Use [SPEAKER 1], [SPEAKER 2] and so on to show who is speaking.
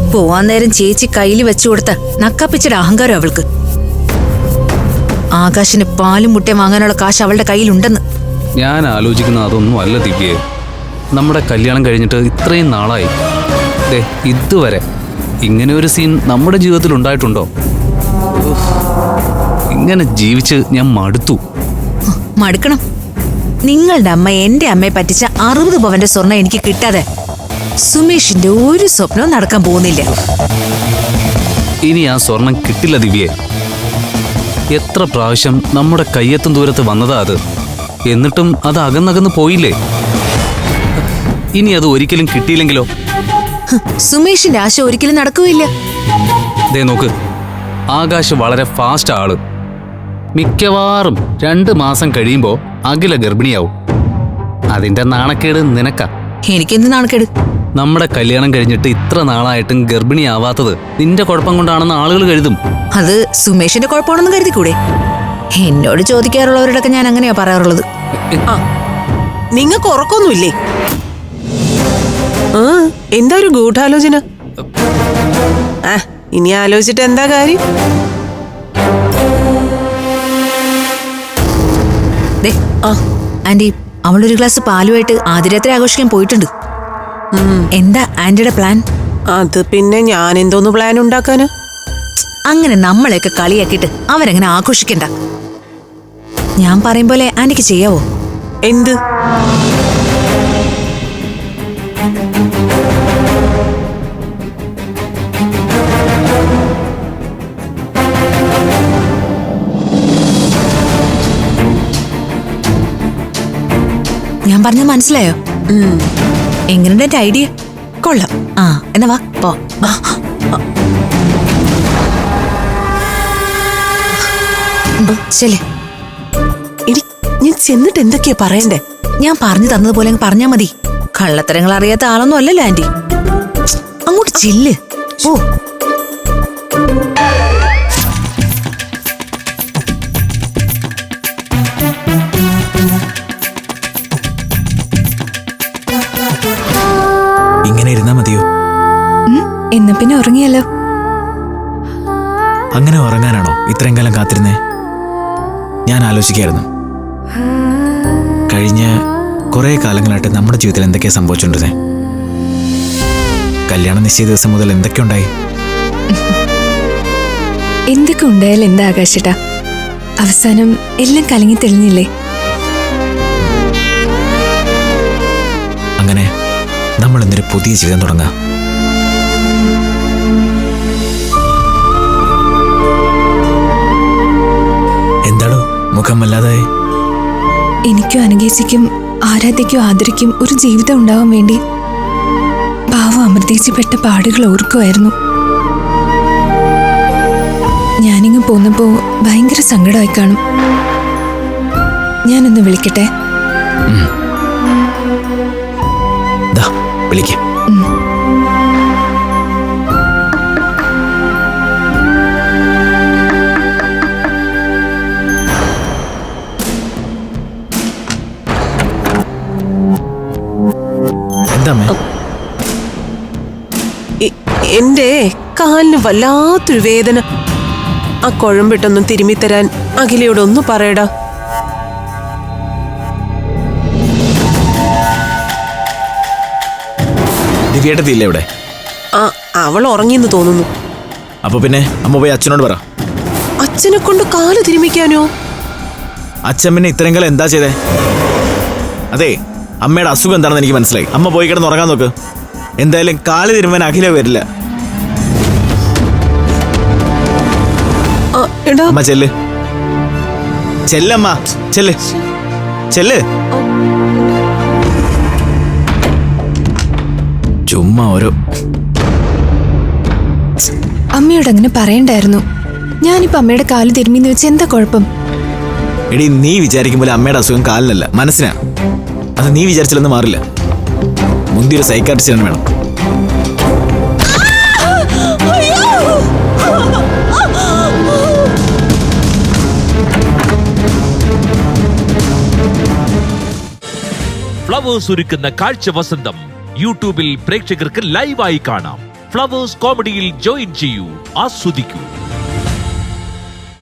[SPEAKER 1] പോവാൻ നേരം ചേച്ചി കയ്യിൽ വെച്ചു കൊടുത്ത നക്കാപ്പിച്ചയുടെ അഹങ്കാരം അവൾക്ക്. ആകാശിന് പാലും മുട്ടയും വാങ്ങാനുള്ള കാശ് അവളുടെ കയ്യിലുണ്ടെന്ന്.
[SPEAKER 2] ഞാൻ ആലോചിക്കുന്ന അതൊന്നും അല്ല ദിവ്യേ. നമ്മുടെ കല്യാണം കഴിഞ്ഞിട്ട് ഇത്രയും നാളായി, ഇതുവരെ ഇങ്ങനെ ഒരു സീൻ നമ്മുടെ ജീവിതത്തിൽ ഉണ്ടായിട്ടുണ്ടോ? ഇങ്ങനെ ജീവിച്ച് ഞാൻ മടുത്തു.
[SPEAKER 1] മടുക്കണം. നിങ്ങളുടെ അമ്മ എന്റെ അമ്മയെ പറ്റിച്ച 60 പവന്റെ സ്വർണം എനിക്ക് കിട്ടാതെ സുമേഷിന്റെ ഒരു സ്വപ്നവും നടക്കാൻ പോകുന്നില്ല.
[SPEAKER 2] ഇനി ആ സ്വർണം കിട്ടില്ല ദിവ്യേ. എത്ര പ്രാവശ്യം നമ്മുടെ കയ്യെത്തും ദൂരത്ത് വന്നതാ അത്. എന്നിട്ടും അത് അകന്നകന്ന് പോയില്ലേ. ഇനി അത് ഒരിക്കലും കിട്ടിയില്ലെങ്കിലോ?
[SPEAKER 1] സുമേഷിന്റെ ആശ ഒരിക്കലും നടക്കുകയില്ല.
[SPEAKER 2] ദേ നോക്ക്, ആകാശ് വളരെ ഫാസ്റ്റ് ആള്. മിക്കവാറും 2 മാസം കഴിയുമ്പോ അഖില ഗർഭിണിയാവും. അതിന്റെ നാണക്കേട് നിനക്കാ.
[SPEAKER 1] എനിക്കെന്ത് നാണക്കേട്?
[SPEAKER 2] നമ്മുടെ കല്യാണം കഴിഞ്ഞിട്ട് ഇത്ര നാളായിട്ടും ഗർഭിണിയാവാത്തത് നിന്റെ കുഴപ്പം കൊണ്ടാണെന്ന് ആളുകൾ കരുതും.
[SPEAKER 1] അത് സുമേഷിന്റെ കുഴപ്പമാണെന്ന് കരുതിക്കൂടെ? എന്നോട് ചോദിക്കാറുള്ളവരോടൊക്കെ ഞാൻ അങ്ങനെയാ പറയാറുള്ളത്.
[SPEAKER 3] നിങ്ങൾക്ക് ഉറക്കൊന്നുമില്ലേ? എന്താ ഒരു ഗൂഢാലോചന? ഇനി ആലോചിച്ചിട്ട് എന്താ കാര്യം?
[SPEAKER 1] ആന്റി, അവളൊരു ഗ്ലാസ് പാലുമായിട്ട് ആതിരാത്രി ആഘോഷിക്കാൻ പോയിട്ടുണ്ട്. എന്താ ആന്റിയുടെ പ്ലാൻ?
[SPEAKER 3] അത് പിന്നെ ഞാൻ എന്തോന്ന് പ്ലാൻ ഉണ്ടാക്കാന്?
[SPEAKER 1] അങ്ങനെ നമ്മളെയൊക്കെ കളിയാക്കിയിട്ട് അവരങ്ങനെ ആഘോഷിക്കണ്ട. ഞാൻ പറയും പോലെ ആന്റിക്ക് ചെയ്യാവോ?
[SPEAKER 3] എന്ത്?
[SPEAKER 1] ഞാൻ പറഞ്ഞത് മനസ്സിലായോ? എങ്ങനെയുണ്ട് എന്റെ ഐഡിയ? കൊള്ളാം. എന്നാ വാ പോ. ശരി,
[SPEAKER 3] ഞാൻ ചെന്നിട്ട് എന്തൊക്കെയാ പറയണ്ടേ?
[SPEAKER 1] ഞാൻ പറഞ്ഞു തന്നതുപോലെ പറഞ്ഞാ മതി. കള്ളത്തരങ്ങൾ അറിയാത്ത ആളൊന്നും അല്ലല്ലോ ആന്റി. അങ്ങോട്ട് ചെല്ല്. ഓ,
[SPEAKER 4] ഇങ്ങനെ ഇരുന്നാ മതിയോ?
[SPEAKER 1] എന്നാ പിന്നെ ഉറങ്ങിയല്ലോ.
[SPEAKER 4] അങ്ങനെ ഉറങ്ങാനാണോ ഇത്രയും കാലം കാത്തിരുന്നേ? ഞാൻ ആലോചിക്കായിരുന്നു, കഴിഞ്ഞ കുറെ കാലങ്ങളായിട്ട് നമ്മുടെ ജീവിതത്തിൽ എന്തൊക്കെയാ സംഭവിച്ചോണ്ടിരുന്നേ. കല്യാണ നിശ്ചയ ദിവസം മുതൽ എന്തൊക്കെ ഉണ്ടായി?
[SPEAKER 5] എന്തൊക്കെ ഉണ്ടായാലും എന്താ ആകാശേട്ടാ, അവസാനം എല്ലാം കലങ്ങി തെളിഞ്ഞില്ലേ?
[SPEAKER 4] അങ്ങനെ നമ്മൾ എന്തൊരു പുതിയ ജീവിതം തുടങ്ങാം. എന്താണോ മുഖം വല്ലാതായി?
[SPEAKER 5] എനിക്കും അനുകേശിക്കും ആരാധ്യയ്ക്കും ആദരിക്കും ഒരു ജീവിതം ഉണ്ടാവാൻ വേണ്ടി പാവം അമൃതേച്ചി പെട്ട പാടുകൾ ഓർക്കുമായിരുന്നു. ഞാനിങ്ങ് പോന്നപ്പോ ഭയങ്കര സങ്കടമായി കാണും. ഞാനൊന്ന് വിളിക്കട്ടെ?
[SPEAKER 4] വിളിക്കാം.
[SPEAKER 3] എന്റെ കാലിന് വല്ലാത്തൊരു വേദന. ആ കുഴമ്പിട്ടൊന്നും തിരുമ്മിത്തരാൻ അഖിലയോടൊന്ന് പറയടാ.
[SPEAKER 4] ദിവ്യേട്ടത്തില്ലേ ഇവിടെ?
[SPEAKER 3] അവൾ ഉറങ്ങിയെന്ന് തോന്നുന്നു.
[SPEAKER 4] അപ്പൊ പിന്നെ അമ്മ പോയി അച്ഛനോട് പറ.
[SPEAKER 3] അച്ഛനെ കൊണ്ട് കാല് തിരുമിക്കാനോ?
[SPEAKER 4] അച്ഛൻ പിന്നെ ഇത്രയും കാലം എന്താ ചെയ്തേ? അതെ, അമ്മയുടെ അസുഖം എന്താണെന്ന് എനിക്ക് മനസ്സിലായി. അമ്മ പോയി കിടന്ന് ഉറങ്ങാൻ നോക്ക്. എന്തായാലും കാല് തിരുമാൻ അഖില വരില്ല. അമ്മ ചെല്ല്, ചെല്ലമ്മ, ചെല്ല്, ചെല്ല്. ചുമ്മാ ഓരോ.
[SPEAKER 5] അമ്മയോട് അങ്ങനെ പറയണ്ടായിരുന്നു. ഞാനിപ്പോ അമ്മയുടെ കാല് തിരുമ്മിന്ന് വെച്ച് എന്താ കുഴപ്പം?
[SPEAKER 4] എടി, നീ വിചാരിക്കുമ്പോൾ അമ്മയുടെ അസുഖം കാലിനല്ല, മനസ്സിനാ. അത് നീ വിചാരിച്ചില്ലെന്ന് മാറില്ല. മുന്തിയൊരു സൈക്കാട്രിസ്റ്റിനെ വേണം.
[SPEAKER 6] ഫ്ലവേഴ്സ് ഒരുക്കുന്ന കാഴ്ച വസന്തം യൂട്യൂബിൽ പ്രേക്ഷകർക്ക് ലൈവായി കാണാം. ഫ്ലവേഴ്സ് കോമഡിയിൽ ജോയിൻ ചെയ്യൂ, ആസ്വദിക്കൂ.